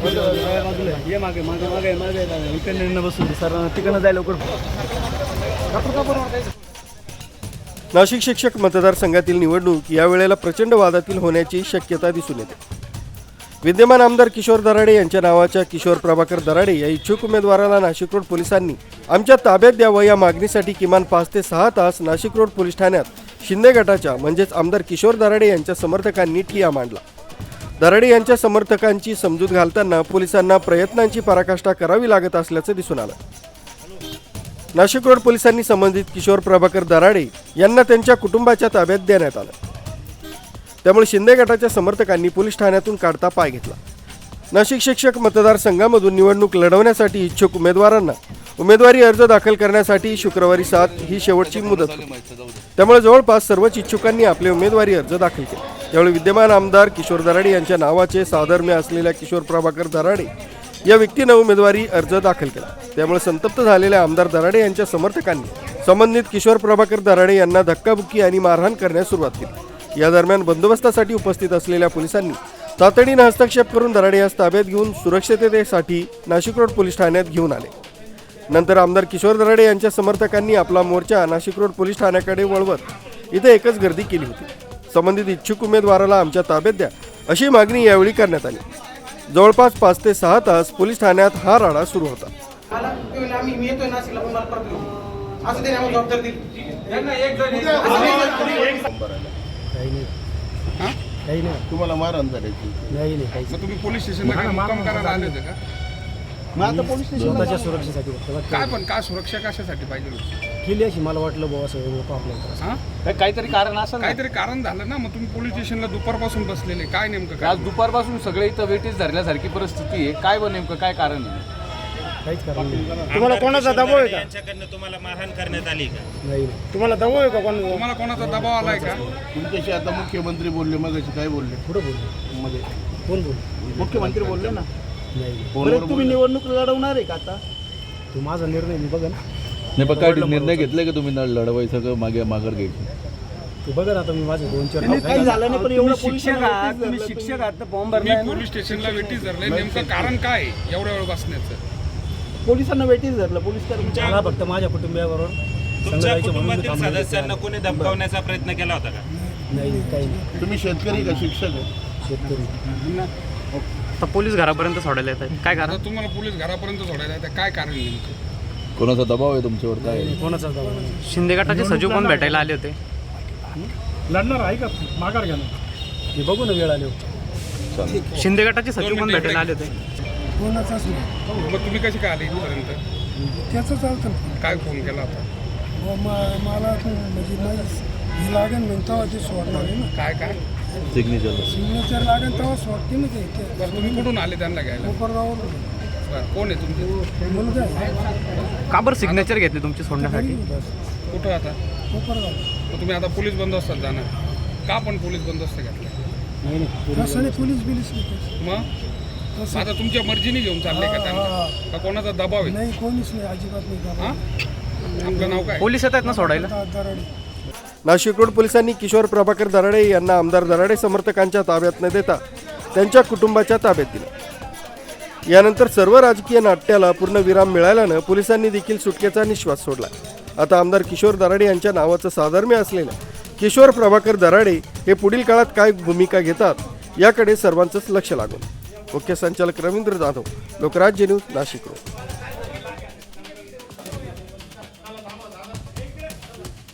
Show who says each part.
Speaker 1: ये मागे मागे मागे मागे इकडनं बसून सर तिकडनं जायला लवकर.
Speaker 2: नाशिक शिक्षक मतदारसंघातील निवडणूक यावेळेला प्रचंड वादातील होण्याची शक्यता दिसून येते. विद्यमान आमदार किशोर दराडे यांच्या नावाच्या किशोर प्रभाकर दराडे या इच्छुक उमेदवाराला नाशिक रोड पोलिसांनी आमच्या ताब्यात द्यावं या मागणीसाठी किमान 5 ते 6 तास नाशिक रोड पोलीस ठाण्यात शिंदे गटाच्या म्हणजेच आमदार किशोर दराडे यांच्या समर्थकांनी ठिय्या मांडला. दराडे यांच्या समर्थकांची समजूत घालताना पोलिसांना प्रयत्नांची पराकाष्ठा करावी लागत असल्याचं दिसून आलं. नाशिक रोड पोलिसांनी संबंधित किशोर प्रभाकर दराडे यांना त्यांच्या कुटुंबाच्या ताब्यात देण्यात आलं. त्यामुळे शिंदे गटाच्या समर्थकांनी पोलीस ठाण्यातून काढता पाय घेतला. नाशिक शिक्षक मतदारसंघामधून निवडणूक लढवण्यासाठी इच्छुक उमेदवारांना उमेदवारी अर्ज दाखल करण्यासाठी शुक्रवारी 7 ही शेवटची मुदत होती. त्यामुळे जवळपास सर्वच इच्छुकांनी आपले उमेदवारी अर्ज दाखल केले. त्यावेळी विद्यमान आमदार किशोर दराडे यांच्या नावाचे साधर्म्य असलेल्या किशोर प्रभाकर दराडे या व्यक्तीनं उमेदवारी अर्ज दाखल केला. त्यामुळे संतप्त झालेल्या आमदार दराडे यांच्या समर्थकांनी संबंधित किशोर प्रभाकर दराडे यांना धक्काबुक्की आणि मारहाण करण्यास सुरुवात केली. या दरम्यान बंदोबस्तासाठी उपस्थित असलेल्या पोलिसांनी तातडीनं हस्तक्षेप करून दराडे यास ताब्यात घेऊन सुरक्षिततेसाठी नाशिक रोड पोलीस ठाण्यात घेऊन आले. नंतर आमदार किशोर दराडे यांच्या समर्थकांनी आपला मोर्चा नाशिक रोड पोलीस ठाण्याकडे वळवत इथे एकच गर्दी केली होती. संबंधित इच्छुक उमेदवाराला आमच्या ताब्यात द्या अशी मागणी यावेळी करण्यात आली. जवळपास 5 ते 6 तास पोलीस ठाण्यात हा राडा सुरू होता.
Speaker 3: तुम्हाला मारहाण करायची
Speaker 1: नाही.
Speaker 4: तुम्ही पोलीस स्टेशनला मुक्काम करायला आले होते का?
Speaker 3: मग आता पोलीस
Speaker 1: स्वतःच्या सुरक्षेसाठी
Speaker 4: काय पण काय सुरक्षा कशासाठी पाहिजे होती?
Speaker 1: केली अशी मला वाटलं बाबा असं आपल्याला
Speaker 4: हा?
Speaker 5: काहीतरी कारण असं
Speaker 4: काहीतरी कारण झालं ना. मग तुम्ही पोलीस स्टेशनला दुपारपासून बसलेले, काय नेमकं काय?
Speaker 5: आज दुपारपासून सगळे इथं वेटीस धरल्यासारखी परिस्थिती आहे. काय बरं नेमकं काय कारण आहे?
Speaker 1: काहीच कारण नाही.
Speaker 6: तुम्हाला कोणाचा दबाव आहे का?
Speaker 7: यांच्याकडनं तुम्हाला मारहाण करण्यात आली का?
Speaker 1: नाही
Speaker 6: तुम्हाला दबाव आहे का कोणाचा?
Speaker 4: तुम्हाला कोणाचा दबाव आलाय का?
Speaker 3: तुमच्याशी आता मुख्यमंत्री बोलले, मगाशी काय बोलले?
Speaker 1: पुढं बोलले
Speaker 3: मध्ये
Speaker 1: कोण बोलले?
Speaker 3: मुख्यमंत्री बोलले ना.
Speaker 1: नाही
Speaker 3: बरं, तुम्ही निवडणूक लढवणार आहे का आता?
Speaker 1: तू माझा निर्णय मी बघा ना.
Speaker 8: नाही पण काय निर्णय घेतलाय का तुम्ही लढवायचं का माघार घ्यायची?
Speaker 1: तू बघा ना आता मी माझे 2-4
Speaker 3: काही झालं नाही, पण एवढं
Speaker 1: शिक्षक आहात तर फॉर्म भरला
Speaker 4: तुम्ही पोलीस स्टेशनला वेटीस धरले, नेमकं कारण काय आहे एवढ्या वेळ बसण्याचं?
Speaker 3: पोलिसांना वेटीस धरलं. पोलीस कर्मचारी
Speaker 1: मला फक्त माझ्या कुटुंबियाबरोबर
Speaker 7: तुमच्या कुटुंबातील सदस्यांना कोणी धमकावण्याचा प्रयत्न केला होता का?
Speaker 1: नाही काही नाही.
Speaker 3: तुम्ही शेतकरी का शिक्षक आहे?
Speaker 1: शेतकरी.
Speaker 5: पोलीस घरापर्यंत सोडायला येत आहे. काय
Speaker 4: आता तुम्हाला पोलीस घरापर्यंत सोडायला येतं, काय कारण नेमकं?
Speaker 8: कोणाचा दबाव आहे तुमच्यावर? काय
Speaker 1: कोणाचा दबाव नाही.
Speaker 5: शिंदे गटाचे सचिव पण भेटायला आले होते.
Speaker 6: लढणार आहे का? माघार घ्या ना.
Speaker 1: मी बघू ना वेळ आले.
Speaker 5: शिंदे गटाचे सचिव पण भेटायला आले होते.
Speaker 6: कोणाचाच नाही.
Speaker 4: मग तुम्ही कशी काय आले इथपर्यंत?
Speaker 6: त्याचं चालतं.
Speaker 4: काय फोन केला होता?
Speaker 6: मला म्हणजे हे लागेल मग तेव्हा ते सोडणार आहे ना.
Speaker 4: काय
Speaker 6: सिग्नेचर लागेल तेव्हा सोडते ना ते.
Speaker 4: बरं, तुम्ही कुठून आले त्यांना घ्यायला?
Speaker 6: कोपरगावला
Speaker 4: बरं, कोण आहे तुमचे?
Speaker 6: मुलगा आहे.
Speaker 5: का बरं सिग्नेचर घेतले तुमची सोडण्यासाठी?
Speaker 4: कुठं आता?
Speaker 6: कोपरगाव.
Speaker 4: मग तुम्ही आता पोलीस बंदोबस्तात जाणार का? पण पोलीस बंदोबस्त घेतला
Speaker 6: कसं नाही पोलीस बिलीस नाही.
Speaker 4: मग आता तुमच्या मर्जीने घेऊन चालले का त्यांना? का कोणाचा दबाव आहे?
Speaker 6: नाही कोणीच नाही, अजिबात नाही.
Speaker 4: हा? आपलं नाव काय?
Speaker 5: पोलीस येत आहेत ना सोडायला?
Speaker 6: दराडे.
Speaker 2: नाशिक रोड पोलिसांनी किशोर प्रभाकर दराडे यांना आमदार दराडे समर्थकांच्या ताब्यात न देता त्यांच्या कुटुंबाच्या ताब्यात दिलं. यानंतर सर्व राजकीय नाट्याला पूर्ण विराम मिळाल्यानं पोलिसांनी देखील सुटकेचा निश्वास सोडला. आता आमदार किशोर दराडे यांच्या नावाचं साधर्म्य असलेल्या किशोर प्रभाकर दराडे हे पुढील काळात काय भूमिका घेतात याकडे सर्वांचंच लक्ष लागून. मुख्य संचालक रवींद्र जाधव, लोकराज्य न्यूज, नाशिक रोड.